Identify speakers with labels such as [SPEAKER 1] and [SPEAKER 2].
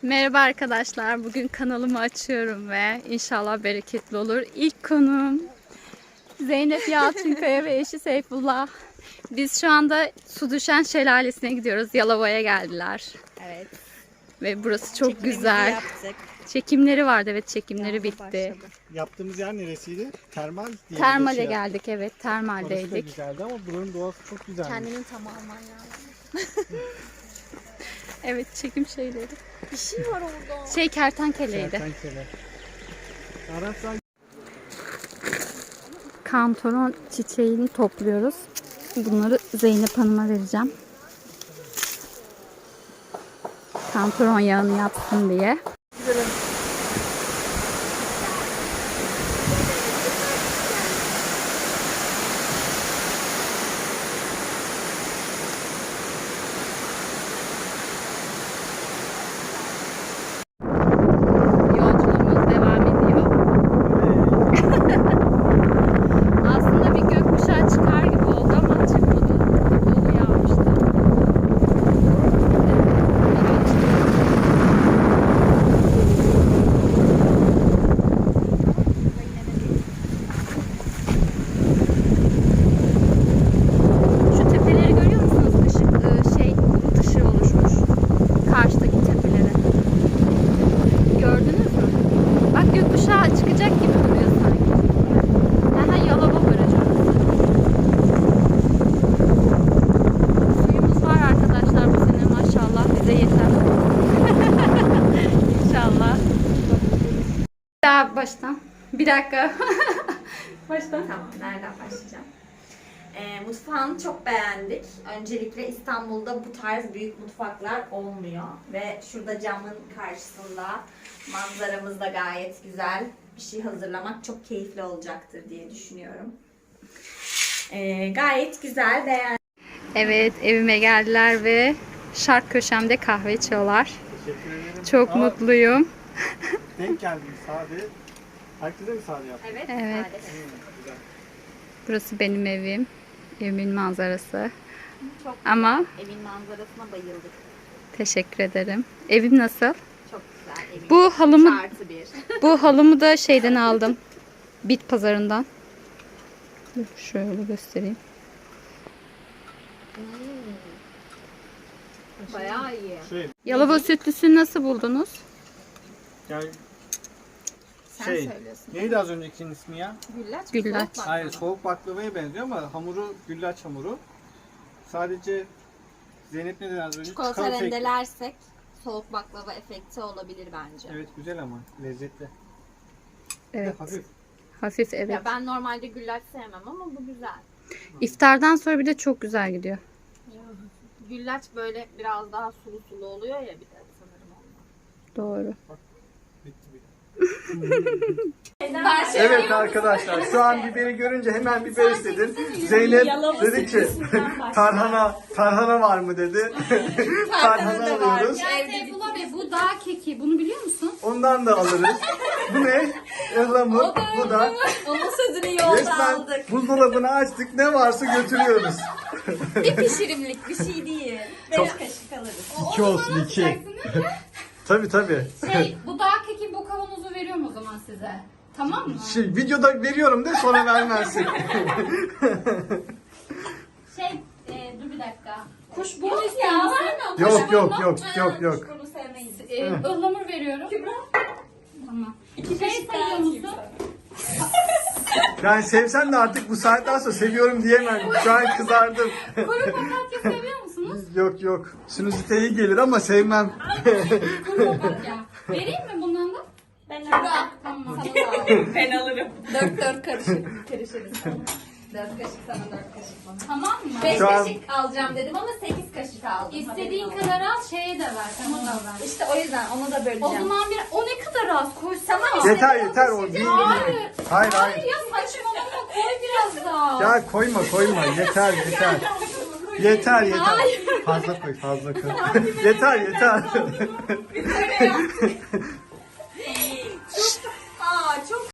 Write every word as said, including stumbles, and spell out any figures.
[SPEAKER 1] Merhaba arkadaşlar. Bugün kanalımı açıyorum ve inşallah bereketli olur. İlk konuğum Zeynep Yalçınkaya ve eşi Seyfullah. Biz şu anda Su Düşen Şelalesi'ne gidiyoruz. Yalova'ya geldiler.
[SPEAKER 2] Evet.
[SPEAKER 1] Ve burası çok
[SPEAKER 2] Çekimimizi
[SPEAKER 1] güzel.
[SPEAKER 2] yaptık.
[SPEAKER 1] Çekimleri vardı, evet, çekimleri
[SPEAKER 2] Yağmur
[SPEAKER 1] bitti.
[SPEAKER 2] başladı.
[SPEAKER 3] Yaptığımız yer neresiydi? Termal diye.
[SPEAKER 1] Termale
[SPEAKER 3] şey
[SPEAKER 1] geldik, evet,
[SPEAKER 3] Orası da
[SPEAKER 1] termaldeydik.
[SPEAKER 3] güzeldi ama buranın doğası çok güzeldi.
[SPEAKER 2] Kendini tam alman lazım.
[SPEAKER 1] Evet, çekim şeyleri.
[SPEAKER 2] Bir şey var orada.
[SPEAKER 1] Şey kertenkeleydi.
[SPEAKER 3] Kertenkele. Araplar
[SPEAKER 1] Kantaron çiçeğini topluyoruz. Bunları Zeynep Hanım'a vereceğim. Kantaron yağını yapsın diye. Yolculuğumuz devam ediyor. Aslında bir gökkuşağı çıkar gibi oldu ama çıkmadı. Dolu yağmıştı. Şu tepeleri görüyor musunuz? Işık, ıı, şey, bulut ışığı oluşmuş. Karşıdaki tepelere. Gördünüz mü? Bak, gökkuşağı çıkacak gibi duruyor sanki. Aha, Yalova Barajı orası. Suyumuz var arkadaşlar bu sene, maşallah, bize yeter. İnşallah. Bir daha baştan. Bir dakika. Baştan.
[SPEAKER 2] Tamam, nereden başlayacağım? Ee, mutfağını çok beğendik. Öncelikle İstanbul'da bu tarz büyük mutfaklar olmuyor. Ve şurada camın karşısında manzaramız da gayet güzel. Bir şey hazırlamak çok keyifli olacaktır diye düşünüyorum. Ee, gayet güzel, beğendim.
[SPEAKER 1] Evet, evime geldiler ve şark köşemde kahve içiyorlar.
[SPEAKER 3] teşekkür ederim.
[SPEAKER 1] Çok
[SPEAKER 3] Aa,
[SPEAKER 1] mutluyum.
[SPEAKER 3] Denk geldim Sade. Herkese mi Sade yaptın?
[SPEAKER 2] Evet,
[SPEAKER 1] Evet.
[SPEAKER 2] sadece.
[SPEAKER 3] Hmm, güzel.
[SPEAKER 1] Burası benim evim. Evimin manzarası.
[SPEAKER 2] Çok
[SPEAKER 1] Ama
[SPEAKER 2] güzel. Evin manzarasına bayıldık.
[SPEAKER 1] teşekkür ederim. Evim nasıl?
[SPEAKER 2] Çok güzel. Evin
[SPEAKER 1] Bu halımı
[SPEAKER 2] artı bir.
[SPEAKER 1] bu halımı da şeyden aldım. Bit pazarından. Dur, şöyle göstereyim.
[SPEAKER 2] Bayağı iyi.
[SPEAKER 3] Şey,
[SPEAKER 1] Yalova sütlüsünü nasıl buldunuz?
[SPEAKER 3] yani
[SPEAKER 2] Sen
[SPEAKER 3] şey,
[SPEAKER 2] söylüyorsun.
[SPEAKER 3] neydi az öncekinin ismi ya?
[SPEAKER 2] Güllaç.
[SPEAKER 1] Güllaç.
[SPEAKER 2] soğuk
[SPEAKER 3] Hayır,
[SPEAKER 2] baklava.
[SPEAKER 3] soğuk baklavaya benziyor ama hamuru güllaç hamuru. Sadece Zeynep ne dedi az önce?
[SPEAKER 2] Çikolata
[SPEAKER 3] Çikolata ekli.
[SPEAKER 2] rendelersek soğuk baklava efekti olabilir bence.
[SPEAKER 3] Evet, güzel ama lezzetli. Bir de
[SPEAKER 1] Evet.
[SPEAKER 3] hafif.
[SPEAKER 1] Hafif, evet.
[SPEAKER 2] Ya ben normalde güllaç sevmem ama bu güzel.
[SPEAKER 1] İftardan sonra bir de çok güzel gidiyor.
[SPEAKER 2] Güllaç böyle biraz daha sulu sulu oluyor ya, bir de sanırım ondan.
[SPEAKER 1] Doğru.
[SPEAKER 3] Bitti bile. Evet arkadaşlar, şu an biberi görünce hemen biber istedin. Zeynep dedi ki tarhana tarhana var mı dedi. Tarhana alıyoruz.
[SPEAKER 1] Seyfullah Bey, bu dağ keki. Bunu biliyor musun?
[SPEAKER 3] Ondan da alırız. Bu ne? Ihlamur. Bu da.
[SPEAKER 2] Onun sözünü yolda
[SPEAKER 3] Resmen
[SPEAKER 2] aldık.
[SPEAKER 3] buzdolabını açtık. Ne varsa götürüyoruz.
[SPEAKER 2] Bir pişirimlik bir şey değil. Beş kaşık alırız.
[SPEAKER 3] İki olsun iki. Tabii tabii.
[SPEAKER 1] Şey, bu dağ keki, bu kavanozu veriyorum o zaman size. Tamam mı?
[SPEAKER 3] Şey, videoda veriyorum de sonra vermezsin.
[SPEAKER 1] Şey, e, dur bir dakika. Kuşburnu istiyor
[SPEAKER 2] ya,
[SPEAKER 1] musun?
[SPEAKER 2] verme.
[SPEAKER 3] Yok yok yok yok yok.
[SPEAKER 2] Bunu sevmeyiz.
[SPEAKER 1] E, ıhlamur veriyorum. Tamam. Şey sayıyor musun?
[SPEAKER 3] Yani sevsem de artık bu saatten sonra seviyorum diyemem. Şu an kızardım.
[SPEAKER 1] Kuru papatya seviyor musunuz?
[SPEAKER 3] Yok yok. Sinüzite iyi gelir ama sevmem.
[SPEAKER 1] Kuru papatya. Vereyim mi bundan da?
[SPEAKER 2] Ben alırım.
[SPEAKER 1] Tamam.
[SPEAKER 2] Ben alırım. Dört dört karışık. Karışırız. Dört kaşık sana, dört kaşık bana.
[SPEAKER 1] Tamam mı?
[SPEAKER 2] Beş
[SPEAKER 3] Şu an-
[SPEAKER 2] kaşık alacağım dedim ama sekiz kaşık aldım.
[SPEAKER 1] İstediğin
[SPEAKER 2] Haberin
[SPEAKER 1] kadar al, şeye de ver. Sana da ver.
[SPEAKER 2] İşte o yüzden onu da böleceğim.
[SPEAKER 1] O zaman bir, o ne kadar az koysana.
[SPEAKER 2] Tamam işte.
[SPEAKER 3] Yeter yeter o değil.
[SPEAKER 1] Hayır.
[SPEAKER 3] Hayır
[SPEAKER 1] Hayır
[SPEAKER 3] hayır.
[SPEAKER 1] ya, saçmalama, koy biraz daha.
[SPEAKER 3] Ya koyma koyma yeter yeter. Yeter yeter.
[SPEAKER 1] Hayır.
[SPEAKER 3] Fazla koy fazla koy. yeter yeter.